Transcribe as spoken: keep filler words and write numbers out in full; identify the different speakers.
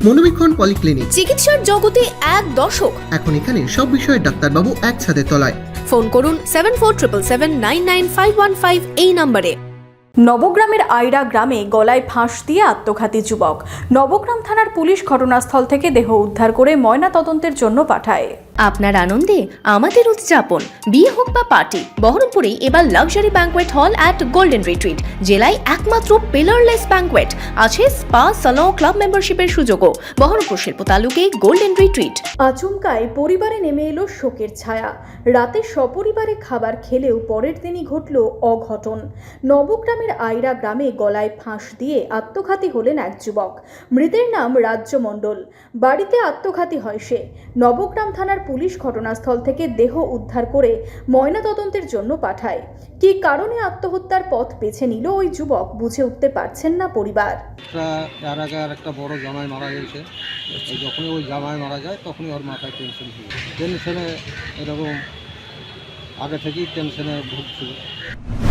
Speaker 1: মনোবীক্ষণ polyclinic,
Speaker 2: চিকিৎসার জগতে এক দশক।
Speaker 1: এখন এখানে সব বিষয়ে ডাক্তারবাবু এক ছাদের তলায়।
Speaker 2: ফোন করুন seven four triple seven nine nine five one five এই নম্বরে।
Speaker 3: নবগ্রামের আইরা গ্রামে গলায় ফাঁস দিয়ে আত্মঘাতী যুবক। নবগ্রাম থানার পুলিশ ঘটনাস্থল থেকে দেহ উদ্ধার করে ময়না তদন্তের জন্য পাঠায়।
Speaker 2: আপনার আনন্দে আমাদের উদযাপন। বিয়ে হোক বা পার্টি, বহরমপুরে এবার luxury banquet hall at Golden Retreat. জেলায় একমাত্র পিলারলেস ব্যাঙ্কোয়েট, আছে স্পা, সালন, ক্লাব মেম্বারশিপের সুযোগও। বহরমপুর শিল্প তালুকে গোল্ডেন রিট্রিট।
Speaker 3: আচমকায় পরিবারে নেমে এলো শোকের ছায়া। রাতে সপরিবারে খাবার খেলেও পরের দিনই ঘটল অঘটন। নবগ্রামের আইরা গ্রামে গলায় ফাঁস দিয়ে আত্মঘাতী হলেন এক যুবক। মৃতের নাম রাজ্য মণ্ডল। বাড়িতে আত্মঘাতী হয় সে। নবগ্রাম থানার পুলিশ ঘটনাস্থল থেকে দেহ উদ্ধার করে ময়নাতদন্তের জন্য পাঠায়। কী কারণে আত্মহত্যার পথ বেছে নিল ওই যুবক বুঝে উঠতে পারছেন না পরিবার।
Speaker 4: এর আগে আর একটা বড় জামাই মারা গেছে। যখনই ওই জামাই মারা যায় তখনই ওর মাথায় টেনশন ছিল, টেনশনে এরকম আগে থেকেই টেনশনে ভুগছিল।